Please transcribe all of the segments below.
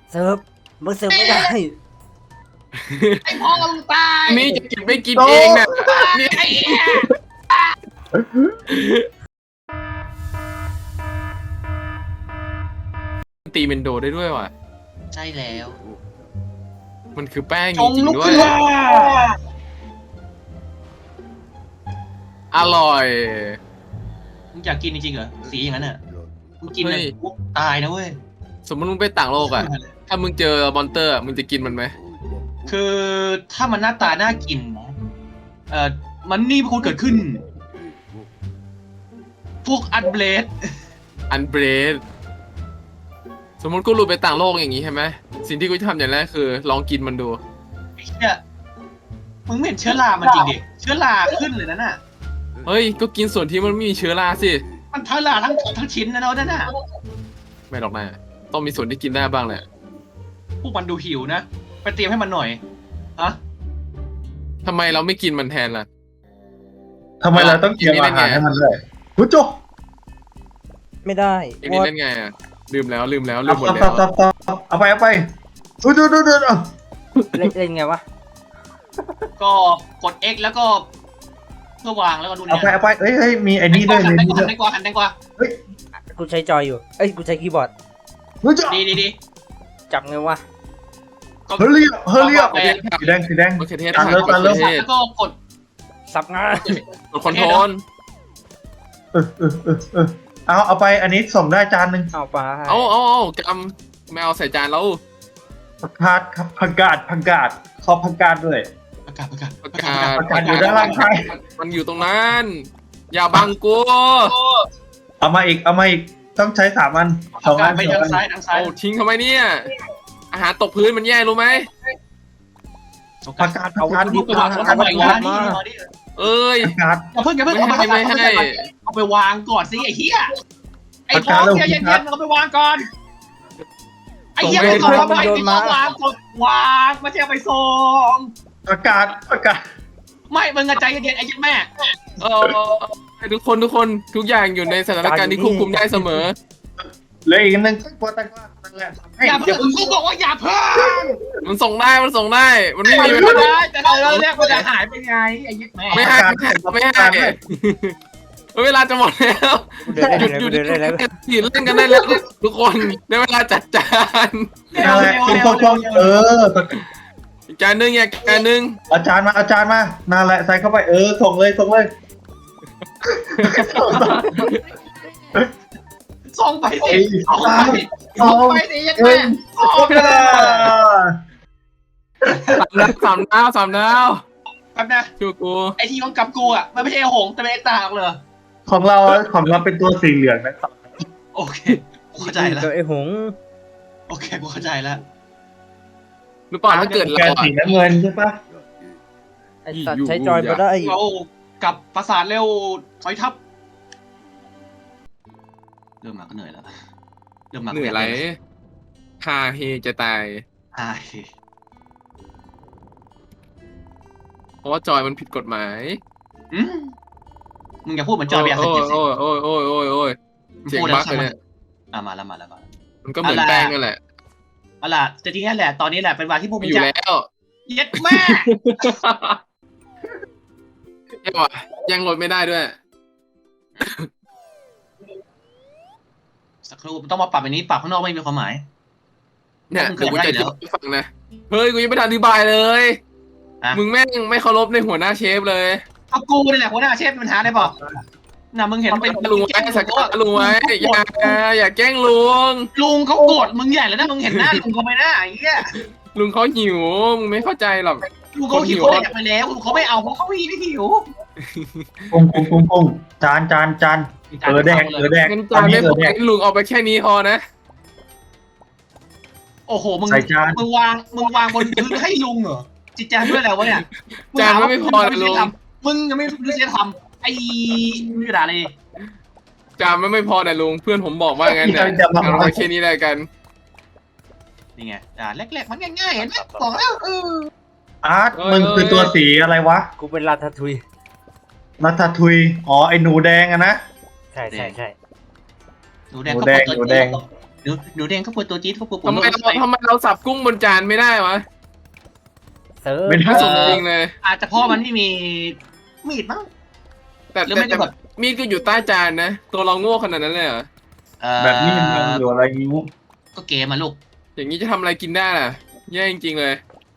เสิร์ฟมึงเสิร์ฟไม่ได้ไอ้พ่อมึงตายนี่จะกินไม่กินเองน่ะนี่ไอ้เหี้ยตีเมนโดได้ด้วยว่ะใช่แล้วมันคือแป้งจจงริงลุกๆด้วขึ้ยนมาอร่อยมึงอยากกินจริงๆเหรอสีอย่างนั้นอ่ะมึงกินเฮ้เลยยปุ๊บตายนะเว้ยสมมติมึงไปต่างโลกอ่ะ ถ้ามึงเจอมอนเตอร์อะมึงจะกินมันไหมคือถ้ามันหน้าตาน่ากินนะมันนี่เป็นคนเกิดขึ้น พวกอันเบลดอันเบรดสมมติกูหลุดไปต่างโลกอย่างงี้ใช่ไหมสิ่งที่กูจะทำอย่างแรกคือ ลองกินมันดูไอ้เนี่ยมึงไม่เห็นเชื้อรามันจริงดิเชื้อราขึ้นเลยนั่นน่ะเฮ้ย ก็กินส่วนที่มันไม่มีเชื้อราสิมันเชื้อราทั้งชิ้นนะเนาะนั่นน่ะไม่หรอกนะต้องมีส่วนที่กินได้บ้างแหละพวกมันดูหิวนะไปเตรียมให้มันหน่อยฮะทำไมเราไม่กินมันแทนล่ะทำไมเราต้องเตรียมอาหารให้มันด้วยหูจุกไม่ได้เอ็งนี่เล่นไงอ่ะลืมแล้วลืมหมดเอาแล้วเอาไปดูดูเอาเล่นไงวะก็กด X แล้วก็เพื่อวางแล้วก็ดูเอาเนี่ยไปเอ้ยมีไอ้นี่ด้วยหัมีนนี่ด้วยแตงกวาหันแตงกวากูใช้จอยอยู่เอ้ยกูใช้คีย์บอร์ดหูจุกดีจับไงวะก็เฮลี่สีแดงมะเขือเทศตามเร็วมะเขือเทศแล้วก็กดสับงากดคอนโทรลเอาไปอันนี้ส่งได้จานหนึ่งเอาปลาเอากำไม่เอาใส่จานแล้วผักกาดครับผักกาดขอผักกาดด้วยประกาศประกาศผักกาดอยู่ด้านล่างใครมันอยู่ตรงนั้น อย่าบังกูเอามาอีกต้องใช้3 อันประ 2 กาอัศนไปทางซ้ายทางซ้ายเอาทิ้งทำไมเนี่ย อาหารตกพื้นมันแย่รู้ไหมผักกาดดูไปวางทำไมวะนี่เอ้ยผักกาดอย่าเพิ่งเอาไปวางก่อนสิไอ้เหี้ยไอ้พ่อเย็นเอาไปวางก่อนไอ้เหี้ยไม่ต้องเอาไปวางกดวางไม่ใช่เอาไปส่งผักกาดไม่มึงใจเย็นไอ้ยันแม่เออทุกคนทุกอย่างอยู่ในสถานการณ์ที่ควบคุมได้เสมอเหลืออีก1ตังกวานั่นแหละให้อย่าเพิ่งกูบอกว่าอย่าเพิ่งมันส่งได้มันไม่มีไม่ได้แต่เราเรียกมันจะหายไปไงไอ้ยันแม่ไม่ให้เวลาจะหมดแล้วกูเดินได้แล้วหยุดเล่นกันได้แล้วทุกคนได้เวลาจัดจานนั่นแหละอีกจานนึงอีกจานนึงเอาจารย์มานั่นแหละใส่เข้าไปส่งเลยส่งไปสิส่งไปสิยันแม่สามดาวแป๊บนะชูกูไอทีของกับกูอ่ะมันไม่ใช่หงแต่เป็นไอ้ตาเลยของเราเป็นตัวสีเหลืองนะครับโอเคกูเข้าใจแล้วตัวไอ้หงโอเคกูเข้าใจแล้วรู้ป่ะถ้าเกิดแกเราสีน้ำเงินใช่ปะไอ้สัตว์ใช้จอยมาได้เรากับประสาทเร็วถอยทับเริ่มมาก็เหนื่อยแล้วเริ่มมาเหนื่อยไรฮาเฮจะตายใช่เพราะว่าจอยมันผิดกฎหมายมึงอย่าพูดเหมือนจอยเบียร์สกิลสิโอ้ยเสียงบั๊กเลยเนี่ยมาแล้วมันก็เหมือนแป้งนั่นแหละเอาล่ะจะจริงๆแหละตอนนี้แหละเป็นวันที่พวกมึอง ยู่จะแล้วเย็ดแม่ยังโหลดไม่ได้ด้วยสักครู่ต้องมาปรับอันนี้ปรับข้างนอกไม่มีความหมายเนี่ยมึงเดี๋ยวกูจะขยับได้อธิบายให้ฟังนะเฮ้ยกูยังไม่ทันอธิบายเลย มึงแม่งไม่เคารพในหัวหน้าเชฟเลยเอากูนี่แหละหัวหน้าเชฟปัญหาได้ป่ะน่ะมึงเห็นเป็นลุงไว้สักการลุงไว้อย่าแกล้งลุงลุงเขาโกรธมึงใหญ่แล้วนะมึงเห็นหน้าลุงเขาไหมหน้าไอ้เหี้ยลุงเขาหิวมึงไม่เข้าใจหรอกลุงเขาหิวเขาอยากไปแล้วลุงเขาไม่เอาเพราะเขาไม่หิวปุ้งจานแดงงั้นจานไม่พอให้ลุงเอาไปแค่นี้พอนะโอ้โหมึงใส่จานมึงวางบนพื้นให้ลุงเหรอจิตใจด้วยแล้ววะเนี่ยจานไม่พอเลยลุงมึงยังไม่รู้จะทำไอ้ไม่ด่าเลยจานไม่พอแต่ลุงเพื่อนผมบอกว่างั้นเนี่ยเอาไปแค่นี้แล้วกันนี่ไงแรกๆมันง่ายๆเห็นไหมบอกแล้วอาร์ตมึงคือตัวสีอะไรวะกูเป็นลาทาทุยรัตทุยอ๋อไอหนูแดงอะนะใช่หนูแดงหนูแดงหนูแดงเขาปวดตัวจี๊ดเขาปวดทำไมเราสับกุ้งบนจานไม่ได้วะเซิร์ฟไม่ได้สมจริงเลยอาจจะเพราะมันไม่มีมีดมั้งแต่หรือไม่ก็แบบมีดก็อยู่ใต้จานนะ ตัวเราโง่ขนาดนั้นเลยเหรอแบบนี้มันอยู่อะไรนิ้วก็เกมมาลูกอย่างนี้จะทำอะไรกินได้ล่ะแย่จริงๆเลย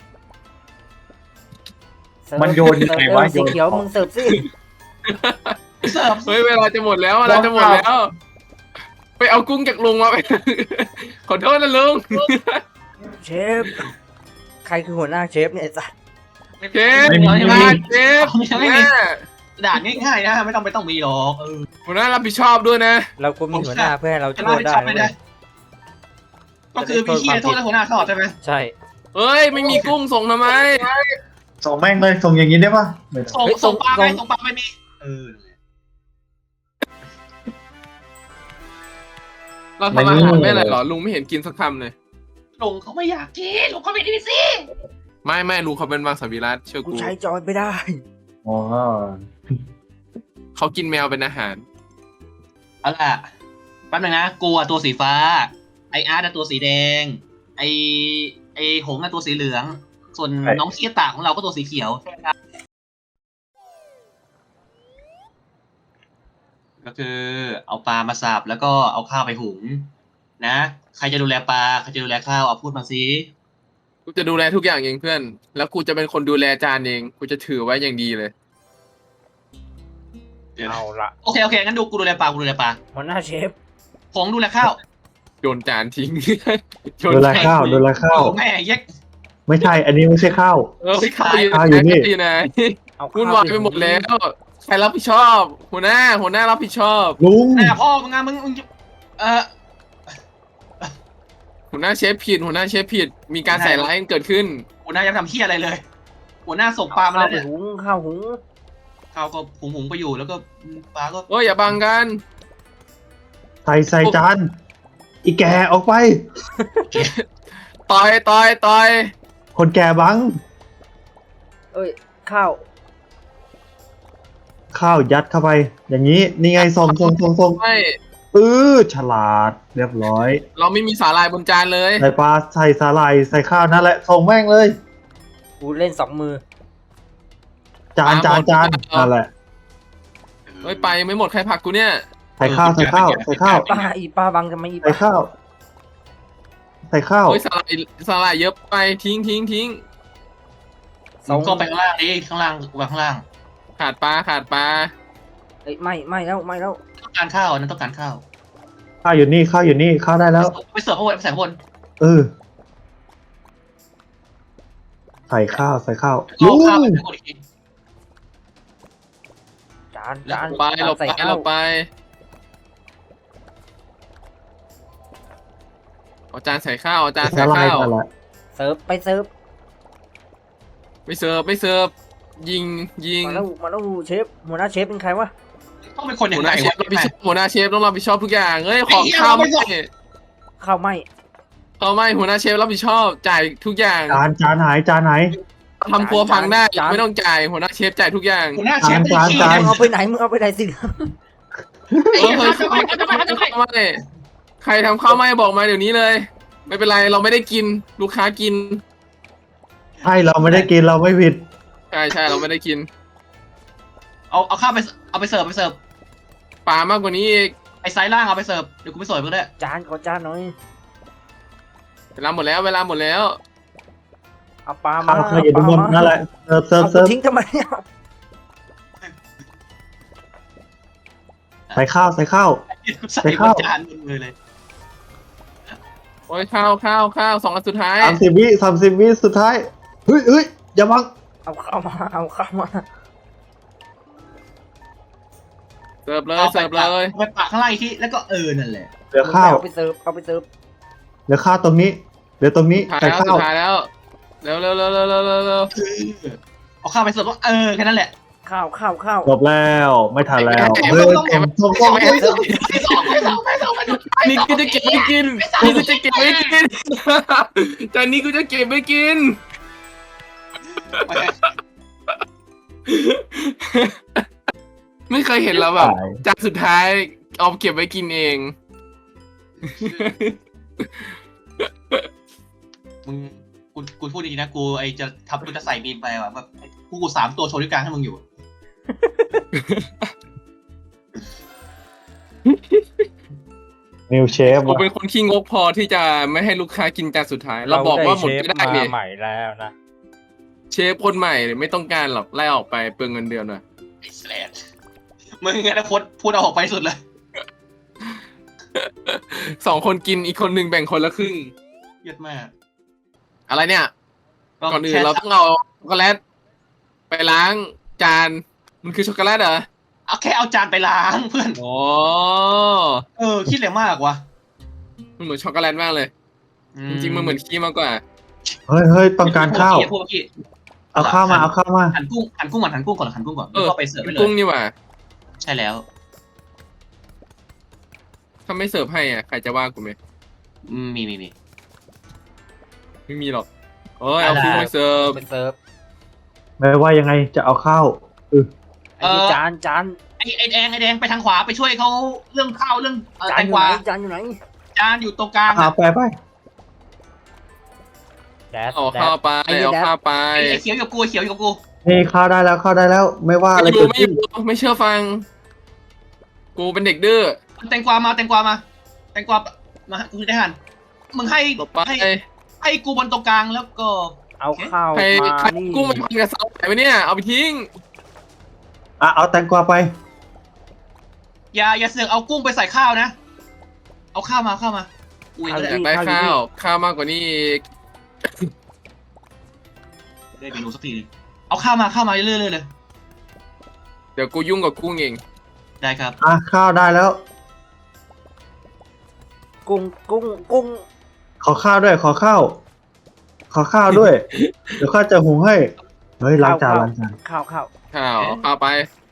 เซิร์ฟมันโยนยังไงวะสีเขียวมึงเสิร์ฟสิเสิร์ฟเฮ้ยเวลาจะหมดแล้วเวลาจะหมดแล้ว ไปเอากุ้งจากลุงมาไป ขอโทษนะลุงเชฟใครคือหัวหน้าเชฟเนี่ยไอ้สัสเชฟไม่มีเชฟไม่มีด่านง่ายๆนะไม่ต้องมีหรอกหัวหน้ารับผิดชอบด้วยนะเราควรมีหัวหน้าเพื่อให้เราจะช่รัวบยผิดได้ชอบไม่ได้เว้ยก็คือพี่เคียโทษแล้วหัวหน้าชอบใช่ไหมใช่เฮ้ยไม่มีกุ้งส่งทำไมส่งแม่งเลยส่งอย่างนี้ได้ปะไม่ได้ส่งปลาไปส่งปลาไม่มีเราทำอาหารไม่อะไรหรอลุงไม่เห็นกินสักคำเลยลุงเขาไม่อยากกินลุงเขาไม่ดีสิไม่ลุงเขาเป็นมังสวิรัตเชื่อกูกูใช้จอยไม่ได้อ๋อเขากินแมวเป็นอาหารเอาล่ะแป๊บนึงนะกูอะตัวสีฟ้าไออาร์ตตัวสีแดงไอหงอะตัวสีเหลือง ส่วนน้องเคียตาของเราก็ตัวสีเขียวก็คือเอาปลามาสับแล้วก็เอาข้าวไปหุงนะใครจะดูแลปลาใครจะดูแลข้าวเอาพูดมาสิกูจะดูแลทุกอย่างเองเพื่อน แล้วกูจะเป็นคนดูแลจานเอง กูจะถือไว้อย่างดีเลยเอาละโอเคงั้นกูดูแลปลาหัวหน้าเชฟหงดูแลข้าวโยนจานทิ้ง โยดูนแลจานข้าวดูทิ้งแลข้าวโอ้แม่เย็กไม่ใช่ อันนี้ไม่ใช่ข้าวข้าวอยู่ข้าวอยู่นี่อยู่ไหนเอาวุ่นวายไปหมดแล้ว ใครรับผิดชอบ หัวหน้ารับผิดชอบลุงหน้าพ่อมึงอะมึงหัวหน้าเชฟผิด มีการใส่ร้ายกันเกิดขึ้นหัวหน้ายังทำเฮียอะไรเลย หัวหน้าส่งปลามาข้าแล้ว วไปเนี่ยหุงข้าวหุงข้าวก็หุงไปอยู่แล้วก็ปลาก็โอ้ยอย่าบังกันใส่จาน อีแกออกไปต่อยคนแก่บังเอ้ยข้าวข้าวยัดเข้าไป อย่างนี้ นี่ไงส่งไม่ฉลาด เรียบร้อยเราไม่มีสาหร่ายบนจานเลยใส่ปลา ใส่สาหร่าย ใส่ข้าวนั่นแหละ ส่งแม่งเลยกูเล่น2 มือจานนั่นแหละเฮ้ยไปยังไม่หมดใครผลักกูเนี่ยใส่ข้าวป้าบังจะไม่อีใส่ข้าว ใส่ข้าวเฮ้ยสาหร่ายเยอะไปทิ้งส่งก็ไปข้างล่างดิข้างล่างวางข้างล่างขาดปลาเอ้ยไม่แล้วต้องการข้าวนั้นต้องการข้าวข้าวอยู่นี่ ข้าวได้แล้วไปเสิร์ฟข้างบนไปใส่ข้างบนใส่ข้าวเอาลุงข้าวไปข้างบนอีกทีจานหลบใส่ไปข้าวหลบไปเอาจานใส่ข้าวสาหร่ายนั่นแหละเสิร์ฟไปเสิร์ฟไม่เสิร์ฟยิงมาแล้วเชฟหัวหน้าเชฟเป็นใครวะต้องเป็นคนอย่าหังวหไรน้าเชฟวะหัวหน้าเชฟต้องรับผิดชอบทุกอย่างเฮ้ยของไอ้เหี้ยข้าวเราไม่ไม่ส่งข้าวไหมหัวหน้าเชฟรับผิดชอบจ่ายทุกอย่างจานไหนทำครัวพังได้ไม่ต้องจ่ายหัวหน้าเชฟจ่ายทุกอย่างหัวหน้าเชฟเป็นขี้จานมึงเอาไปไหนสิเฮ้ยไม่ใครทำข้าวไม่บอกมาเดี๋ยวนี้เลย ไม่เป็นไรเราไม่ได้กินลูกค้ากินใช่เราไม่ได้กินเราไม่ผิดใช่เราไม่ได้กินเอาข้าวไปเอาไปเสิร์ฟปลามากกว่านี้อีกไอ้ไซส์ล่างเอาไปเสิร์ฟเดี๋ยวกูไปเสิร์ฟก็ได้จานขอจานหน่อยเวลาหมดแล้วเอาปลามาข้าวอยู่บนนั่นแหละเสิร์ฟเอาทิ้งทำไมเนี่ยใส่ข้าวใส่บนจานบนมือเลยโอ้ยข้าว2 อันสุดท้าย 30 วิสุดท้ายเฮ้ยอย่าบังเอาข้าวมาเสิร์ฟเลยไปปะข้างล่างอีกทีแล้วก็นั่นแหละเหลือข้าวเอาไปเสิร์ฟเหลือข้าวตรงนี้เหลือตรงนี้ท้ายใส่แล้วข้าสุวดท้ายแล้วเร็วเอาข้าวไปเสิร์ฟก็แค่นั้นแหละข้าวจบแล้วไม่ทันแล้วส่งนี่กูจะเก็บไม่กินจานนี้กูจะเก็บไม่กินไม่เคยเห็นเราแบบจานสุดท้ายเอาเก็บไว้กินเองมึงกูพูดดีๆนะกูจะใส่มีนไปว่ะแบบกู3 ตัวโชว์ด้วยกลางให้มึงอยู่นิวเชฟผมเป็นคนขี้งกพอที่จะไม่ให้ลูกค้ากินจานสุดท้าย เราบอกว่าหมดก็ได้เชฟเนี่ยมาใหม่แล้วนะเชฟคนใหม่ไม่ต้องการหรอกไล่ออกไปเปลืองเงินเดือนหน่อยไอ้แสลดมึงไงนะพูดเอาออกไปสุดเลย 2 คนกินอีกคนหนึ่งแบ่งคนละครึ่งเยอะมากอะไรเนี่ย ก่อนอื่นเราต้องเอาช็อกโกแลตไปล้างจานมันคือช็อกโกแลตเหรอเอาแค่เอาจานไปล้างเพื่อนอ๋อคิดอะไรมากวะมันเหมือนช็อกโกแลตมากเลย จริงๆมันเหมือนขี้มากกว่าเฮ้ยต้องการข้าวพวกเมื่อกี้เอาข้าวมาเอาข้าวมาหั่นกุ้งก่อนหั่นกุ้งก่อนแล้วก็ไปเสิร์ฟไปเลกุ้งยนี่หว่าใช่แล้วถ้าไม่เสิร์ฟให้อ่ะใครจะว่ากูไหมมีไม่มีหรอกเอ้ยเอากุ้งไปเสิร์ฟไปเสิร์ฟไม่ว่ายังไงจะเอาข้าวไอ้นี่จานไอ้แดงไปทางขวาไปช่วยเขาเรื่องข้าวเรื่องจาแตนงอก ยู่วาไหนจานอยู่ไหนจานอยู่ตรงกลางเอาไปแดดเอาข้าวไปไอ้นี่เอาแดดข้าวไปไอ้เขียวอยู่กับกูนี่ข้าวได้แล้วไม่ว่าอะไรไม่เกิดไม่ขึ้นไม่เชื่อฟัง กูเป็นเด็กดื้อแตงกวามากูได้หั่นมึงให้หลบไปให้กูบนตรงกลางแล้วก็เอาข้าวใครมาใครนี่กุ้งมันพันกับเสาไหนวะเนี่ยเอาไปทิ้งเอาแตงกวาไปอย่าเสือกเอากุ้งไปใส่ข้าวนะเอาข้าวมาอุ้ยอยากได้ข้าวมากกว่านี้อีกได้เมนูสักทีนึงเอาข้าวมาเรื่อยๆเลยเดี๋ยวกูยุ่งกับกุ้งเองได้ครับข้าวได้แล้วกุ้งขอข้าวด้วยขอข้าวด้วย เดี๋ยวข้าจะหุงให้เฮ้ยล้างจานข้าวข้าวไป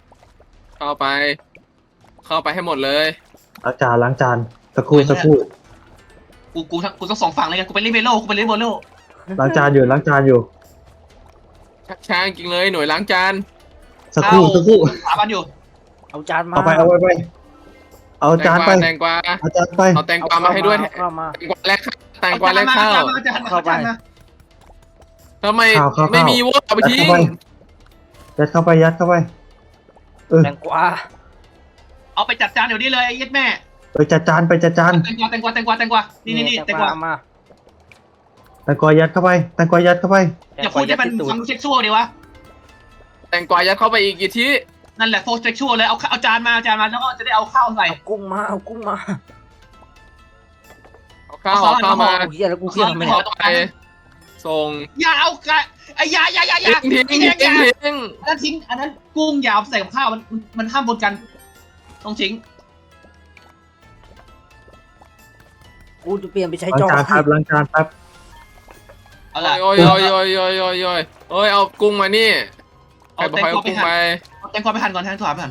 ให้หมดเลยล้างจานสักครู่กูทั้งสองฝั่งเลยกันกูไปเล่นเบโลล้างจานอยู่ชักช้าจริงเลยหน่วยล้างจานสักครู่หาบ้านอยู่เอาจานมาเอาไปเอาจานไปแตงกวาเอาจานไปเอาแตงกวามาให้ด้วยเอาข้าวมาแตงกวาแลกข้าวเข้าไปทำไมข้าวไม่มีวะเอาไปทิ้งยัดเข้าไปแตงกวาเอาไปจัดจานเดี๋ยวนี้เลยไอ้ยัดแม่ไปจัดจานแตงกวานี่แตงกวายัดเข้าไปอย่าพูดให้มันฟังเซ็กชวลดีวะแตงกวายัดเข้าไปอีกกี่ทีนั่นแหละโฟร์เซ็กชวลเลยเอาจานมาแล้วก็จะได้เอาข้าวใส่เอากุ้งมาเอาข้าวมาเฮียแล้วกูเฮียทำไมเนี่ยเอาไปส่งอย่าเอาไอ้ยาทิ้งอันนั้นกุ้งอย่าใส่กับข้าวมันห้ามบนกันต้องทิ้งกูจะเปลี่ยนไปใช้ล้างจอจานแป๊บเอาล่ะโอ้ยเอากุ้งมานี่ใครบอกให้เอากุ้งไปแตงกวาไปหั่นก่อนแตงกวาไปหั่น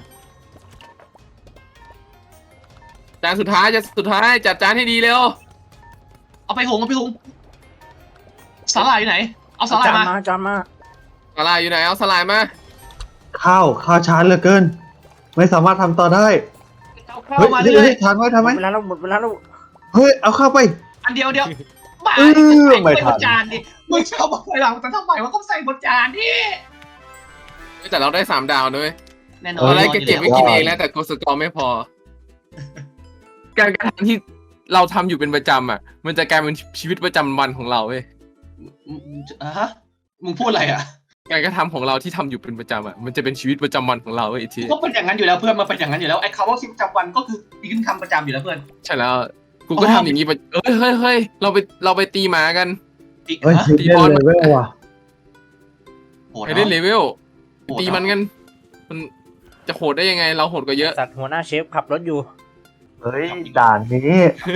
จานสุดท้ายจัดจานให้ดีเร็วเอาไปหุงสาหร่ายอยู่ไหนเอาสาหร่ายมาจานมาสลายอยู่ไหนเอาสลายมาข้าวช้าเหลือเกิน ไม่สามารถทำต่อได้เอาข้าวมาเลยทานไว้ทำไหมหมดเวลาแล้วเฮ้ยเอาข้าวไปอันเดียวบ้าไม่ทันบนจานดิมึงชอบบอกไปหลังแต่ทำไมว่าต้องใส่บนจานดิแต่เราได้3 ดาวด้วยแน่นอตอนนแรกเก็บไว้กินเองแล้วแต่โกสกอร์ไม่พอ การกระทำที่เราทำอยู่เป็นประจำอ่ะ มันจะกลายเป็นชีวิตประจำวันของเราเว้ยฮะมึงพูดอะไรอ่ะการกระทำของเราที่ทำอยู่เป็นประจำอ่ะมันจะเป็นชีวิตประจำวันของเราเว้ยอีกทีก็เป็นอย่างนั้นอยู่แล้วเพื่อนมาเป็นอย่างนั้นอยู่แล้วไอ้คำว่าชีวิตประจำวันก็คือมีคำประจำอยู่แล้วเพื่อนใช่แล้วกูก็ทำอย่างนี้ไปเฮ้ยเราไปตีหมากันเฮ้ยเล่นเลยเว้ยว่ะไปเล่นเลเวลตีมันกันมันจะโหดได้ยังไง เราโหดกว่าเยอะสัตว์หัวหน้าเชฟขับรถอยู่เฮ้ยด่านนี้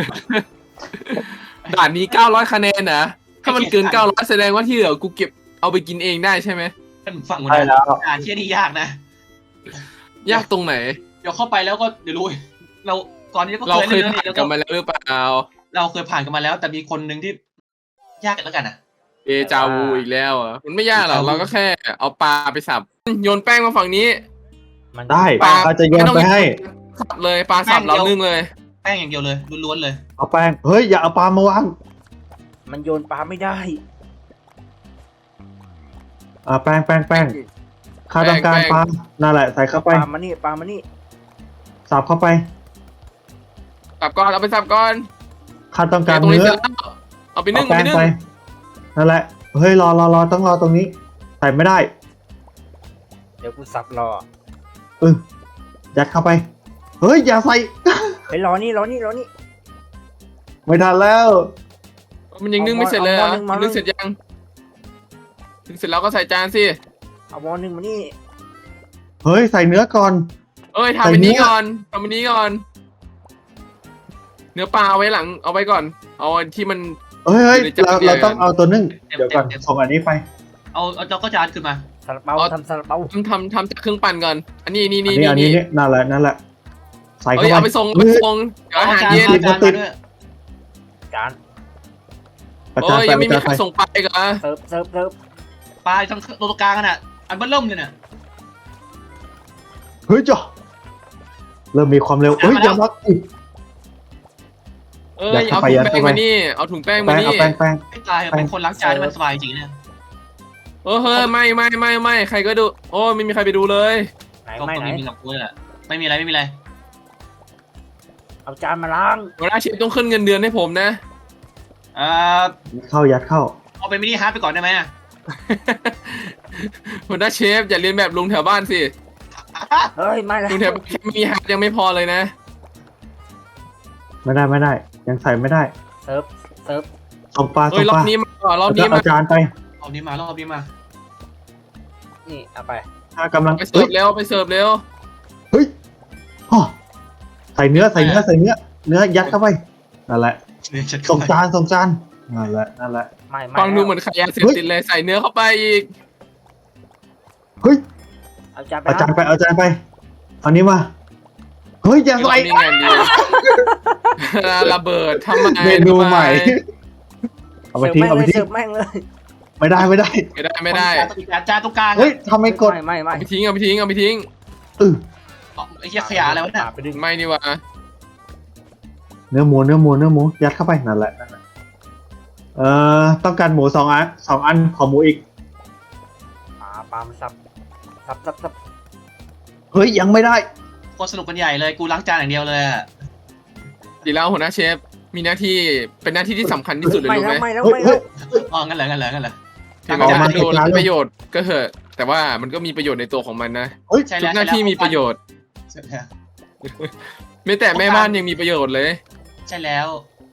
ด่านนี้900 คะแนนนะถ้ามันเกิน900แสดงว่าที่เหลือกูเก็บเอาไปกินเองได้ใช่ไหมท่านฟังใช่นะแล้วเชี่ยนี่ยากนะยากตรงไหนเดี๋ยวเข้าไปแล้วก็เดี๋ยวรู้เราก่อนนี้ก็เราเคยเล่นผ่านแล้วกันมาแล้วหรือเปล่าเราเคยผ่านกันมาแล้วแต่มีคนหนึ่งที่ยากกันแล้วกันนะเอจาวูอีกแล้วอ่ะมันไม่ยากหรอกเราก็แค่เอาปลาไปสับโยนแป้งมาฝั่งนี้มันได้ปลาอาจจะโยนไปให้สับเลยปลาสับเรานึ่งเลยแป้งอย่างเดียวเลยล้วนๆเลยเอาแป้งเฮ้ยอย่าเอาปลามาวางมันโยนปลาไม่ได้แป้งข้าต้องการปลานั่นแหละใส่เข้าไปปลามานี่ปลามานี่สับเข้าไปสับก่อนเอาไปสับก่อนข้าต้องการตรงนี้เนื้อเสร็จแล้วเอาไปนึ่งเอาเอาแป้ไปงนึ่งไปนั่นแหละเฮ้ยรอต้องรอตรงนี้ ใส่ไม่ได้เดี๋ยวกูสับรอยัดเข้าไปเฮ้ยอย่าใส่ไปรอนี่ไม่ทันแล้วมันยังนึ่งไม่เสร็จเลยเหรอเอาหม้อนึ่งนึ่งเสร็จยังนึ่งเสร็จแล้วก็ใส่จานสิเอาหม้อนึงมานี่เฮ้ยใส่เนื้อก่อนเอ้ยทำอันนี้ก่อนทำอันนี้ก่อน เนื้อปลาเอาไว้หลังเอาไว้ก่อน เอาอันที่มันเฮ้ยอยู่ในจานเราเดียวกันต้องเอาตัวนึ่งเดี๋ยวก่อนส่งอันนี้ไปเอาเจ้าก็จานขึ้นมาซาลาเปาทำซาลาเปาทำจากเครื่องปั่นก่อน อันนี้นี่อันนี้นั่นแหละใส่เอ้เข้าย ไปเอาไปส่งเอาไปส่งเดี๋ยวอาหารเย็นจานมาด้วยจานประโอ้จานยไปยังไม่ปมีระใครจานไปส่งไปอีกเหรอเสิร์ฟปลาตรงตัวกลางกันอ่ะอันเบิ้ลเริ่มเลยน่ะเฮ้ยจ้ะเริ่มมีความเร็วเฮ้ยอย่ามาอีกเอ้ยเอาถุงแป้งมานี่เอาถุงแป้งมาแป้งนี่เอาแป้งไม่ตายเป็นคนล้างจานที่มันสบายจริงเนี่ยเฮ้ยไม่ใครก็ดูโอ้ไม่มีใครไปดูเลยไหนก็ไม่ไหนมีกับกูแหละไม่มีอะไรเอาจานมาล้างหัวหน้าเชฟต้องขึ้นเงินเดือนให้ผมนะยัดเข้าเอาเป็นมินิฮาร์ดไปก่อนได้ไหมหัวหน้าเชฟอย่าเรียนแบบลุงแถวบ้านสิเฮ้ยไม่แล้วลุงแถวบ้านแค่มีฮาร์ดยังไม่พอเลยนะไม่ได้ยังใส่ไม่ได้เสิร์ฟส่งปลาเฮ้ยรอบนี้มารอบนี้มาเอาจานไปรอบนี้มารอบนี้มานี่เอาไปถ้ากำลังไปเสิร์ฟเร็วไปเสิร์ฟเร็วเฮ้ยอ๋อใส่เนื้อเนื้อยัดเข้าไปนั่นแหละเนี่ยฉันส่งจานนั่นแหละไม่ฟังดูเหมือนขายยาเสพติดเลยใส่เนื้อเข้าไปอีกเฮ้ยเอาจานไปเอาจานไปเอานี้มาเฮ้ยอย่าใส่นี่ไงดีระเบิดทำไมเมนูใหม่เอาไปทิ้งเสิร์ฟแม่งเลยไม่ได้ไม่ได้จานตรงกลางเฮ้ยทำไมกดไม่เอาไปทิ้งเอาไปทิ้งไอ้เหี้ยขยะอะไรวะเนี่ยไปดึงไม่นี่วะเนื้อหมูยัดเข้าไปนั่นแหละต้องการหมู2 อันขอหมูอีกปลามันสับเฮ้ยยังไม่ได้โคตรสนุกกันใหญ่เลยกูล้างจานอย่างเดียวเลยดีแล้วหัวหน้าเชฟมีหน้าที่เป็นหน้าที่ที่สำคัญที่สุดเลยไม่รู้ไหมแล้วอ๋องั้นเหรอถึงมันจะดูไร้ประโยชน์ก็เถอะแต่ว่ามันก็มีประโยชน์ในตัวของมันนะเฮ้ยใช่ทุแล้กวหน้าที่มีประโยชน์ไม่แต่แม่บ้านยังมีประโยชน์เลยใช่แล้ว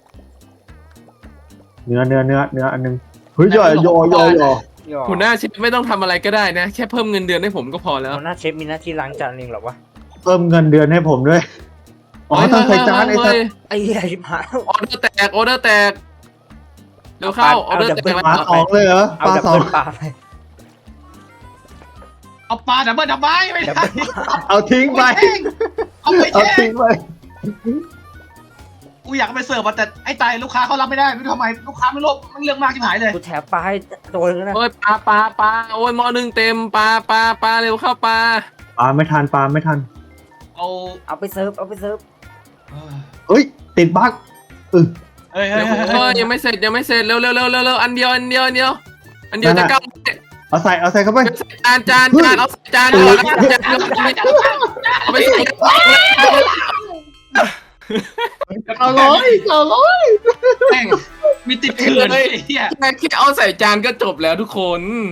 เนื้ออันนึงเฮ้ยยอหัวหน้าเชฟไม่ต้องทำอะไรก็ได้นะแค่เพิ่มเงินเดือนให้ผมก็พอแล้วหัวหน้าเชฟมีหน้าที่ล้างจานเองเหรอวะเพิ่มเงินเดือนให้ผมด้วยอ๋อต้องใส่จานไอ้สัตว์ไอ้เหี้ยชิบหายออเดอร์แตกเร็วเข้าออเดอร์แตกปลา2เลยเหรอเอาปลาดับสอเบิงลปลาไปเอาปลาดับเบิ้ลดับไม้ไม่ได้เอาทิ้งไปเอาไปเอาแช่ทิ้งไปกูอยากไปเสิร์ฟแต่ไอ้ตายลูกค้าเขารับไม่ได้ไม่รู้ทำไมลูกค้าไม่รู้มันเรื่องมากชิบหายเลยกูแถมปลาให้ตัวนึงนะโอ้ยปลาโอ้ยหม้อนึ่งเต็มปลาเร็วเข้าปลาปลาไม่ทันเอาไปเสิร์ฟเฮ้ยติดบั๊กเฮ้ยยังไม่เสร็จเร็วอันเดียวจะก้าวเอาใส่เข้าไปจานเอาจานก่อนเอาไปใส่แม่งมีติดเถื่อนเลยเฮียแค่เอาใส่จานก็จบแล้วทุกคน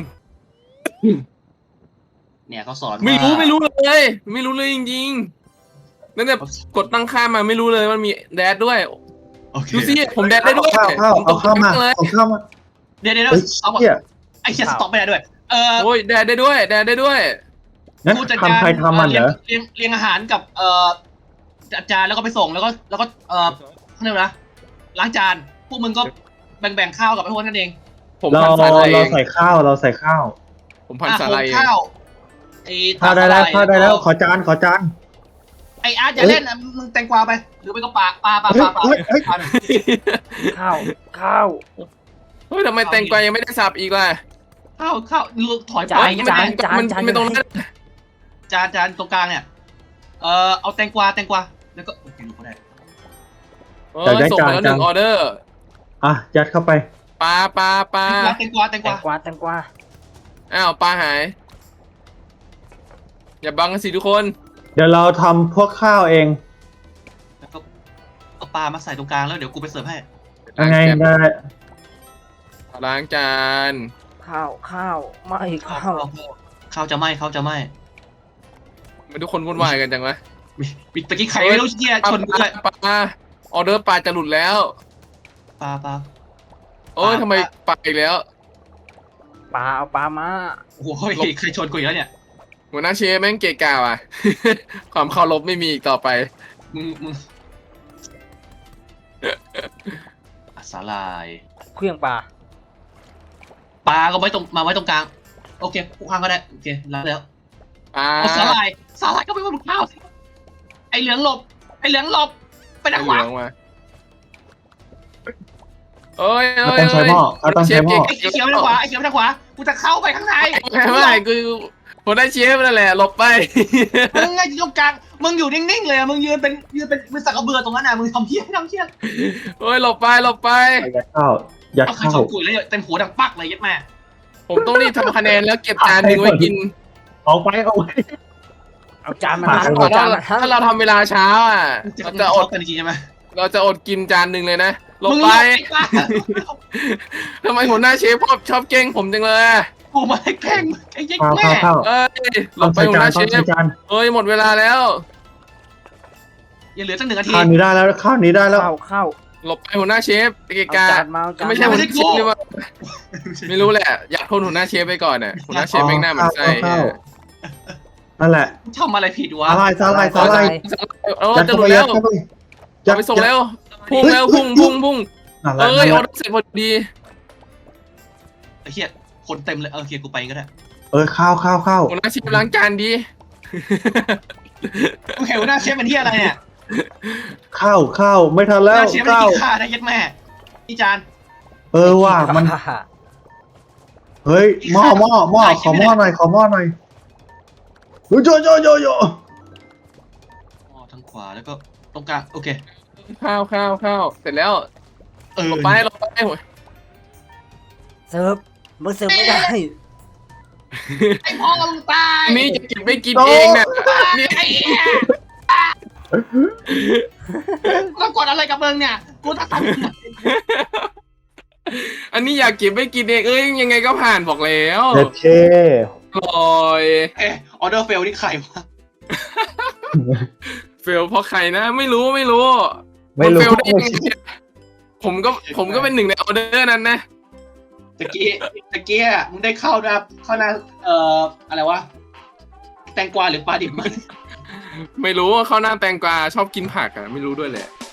เนี่ยเขาสอนไม่รู้เลยจริงๆนั่นเนี่ยกดตั้งค่ามาไม่รู้เลยมันมีแดดด้วยดูสิผมแดดได้ด้วยเอาข้าวมาเดี๋ยวเอาไอ้เฮียสต็อกไม่ได้ด้วยโอ้ยแดดได้ด้วยงั้นทำใครทำมันเหรอเลี้ยงอาหารกับจานแล้วก็ไปส่งแล้วก็เขาเรียกนะล้างจานพวกมึงก็แบ่งข้าวกับไอ้พวกนั่นเองผมพันสาลายเราใส่ข้าวผมพันสาลายข้าวข้าวได้แล้วขอจานไอ้อาร์ตอย่าเล่นนะมึงแตงกวาไปหรือไปก็ปลาข้าวเฮ้ยทำไมแตงกวายังไม่ได้สับอีกล่ะข้าวถอยไปยังไม่ตรงนั้นจานตรงกลางเนี่ยเอาแตงกวาแล้วก็โอเครู้ก็ได้เออส่งมาแล้ว1 ออเดอร์อ่ะยัดเข้าไปปลาแตงกวาแตงกวาอ้าวปลาหาย อย่าบังกันสิทุกคนเดี๋ยวเราทำพวกข้าวเองแล้วก็เอาปลามาใส่ตรงกลางแล้วเดี๋ยวกูไปเสิร์ฟให้ยังไงได้ล้างจานข้าวไม่ข้าวข้าวจะไหม้ข้าวจะไหม้มันทุกคนวุ่นวายกันจังวะปิดตะกี้ใครไม่รู้เหี้ยชนกูเลยปลาออเดอร์ปลาจะหลุดแล้วปลาโอ้ยทำไมปลาอีกแล้วปลาเอาปลามาโอ้โหใครชนกูอีกแล้วเนี่ยหัวหน้าเชฟแม่งเกะกะว่ะ ความเคารพไม่มีอีกต่อไปมึงสาลายเครื่องปลาปลาก็ไว้ตรงมาไว้ตรงกลางโอเคกูข้างก็ได้โอเครับแล้วปลาเอาสาลายก็ไปบนข้าวสิไอเหลืองหลบไปทางขเหลืวาองมาเอ้ยเราต้องใช้หม้อเราต้องใช้หม้อไอเขียวไปทางขวากูจะเข้าไปข้างในไม่กูหัวหน้าเชฟนั่นแหละหลบไปมึงไงอยู่ตรงกลางมึงอยู่นิ่งๆเลยมึงยืนเป็นมือสักกระเบือตรงนั้นน่ะมึงทำเพี้ยนโอ้ยหลบไปยัดข้าวยัดเอาใครข้าชวนกูเลยเต็มหัวดังปักเลยยัดแม่ผมต้องรีบทำคะแนนแล้วเก็บจานหนึ่งไว้กินเอาไปเอาจานมาปลาทั้งหมดเอาจานมาทั้งถ้าเราทำเวลาช้าอ่ะ เราจะอดกันจริงใช่ไหมเราจะอดกินจานหนึ่งเลยนะหลบมึงไปปลาทำไมหัวหน้าเชฟชอบเก่งผมจังเลยกูมาให้แข่งไอ้ยัดข้าวแม่ข้าวเอ้ยหลต้องบไปใช้หัวจาหนน้าเชต้องใช้ฟจานเอ้ยหมดเวลาแล้วอย่าเหลือตั้ง1 นาทีข้าวนี้ได้แล้วข้าวนี้ได้แล้วข้าวหลบไปหัวหน้าเชฟไปเกะเอากะจานมาเอาจานไม่ใช่หัวหน้าเชฟเลยว่าไม่รู้แหละ อยากโทษหัวหน้าเชฟไปก่อนน่ะหัวหน้าเชฟแม่งหน้าเหมือนไส้ข้าวนั่นแหละทำอะไรผิดวะสาลายเออยัดจะเข้าหลุไปดยัแล้ดวเข้าไปจะไปส่งแล้วพุ่งแล้วพุ่งนั่นแหเอ้ละยออเดอร์เสร็จพอดีไอ้เหี้ยคนเต็มเลยโอเคกูไปก็ได้ข้าวหัวหน้าเชฟล้างจานดีมึงเห็นหน้าเชฟเป็นที่อะไรเนี่ยข้าวไม่ทันหแล้วน้าเชฟไม่ข้าวกินข้าวนะยัดแม่พี่จานว่ามันเฮ้ยหม้อขอหม้อหน่อยโยทางขวาแล้วก็ตรงกลางโอเคข้าวเสร็จแล้วหลบไปเสิร์ฟมึงเสิร์ฟไม่ได้ไอ้พ่อมึงตายนี่จะกินไม่กินเองน่ะนี่ไอ้เหี้ยต้องกดอะไรกับมึงเนี่ยกูต้องทำอันนี้อยากกินไม่กินเองเอ้ยยังไงก็ผ่านบอกแล้วเด็ดเท่ลอยออเดอร์เฟลนี่ใครวะเฟลเพราะใครนะไม่รู้ไม่รู้เฟลได้ยังไงผมก็เป็นหนึ่งในออเดอร์นั้นนะตะกี้มึงได้เข้าหน้าอะไรวะแตงกวาหรือปลาดิบมันไม่รู้ว่าเขาหน้าแตงกวาชอบกินผักอ่ะไม่รู้ด้วยแหละ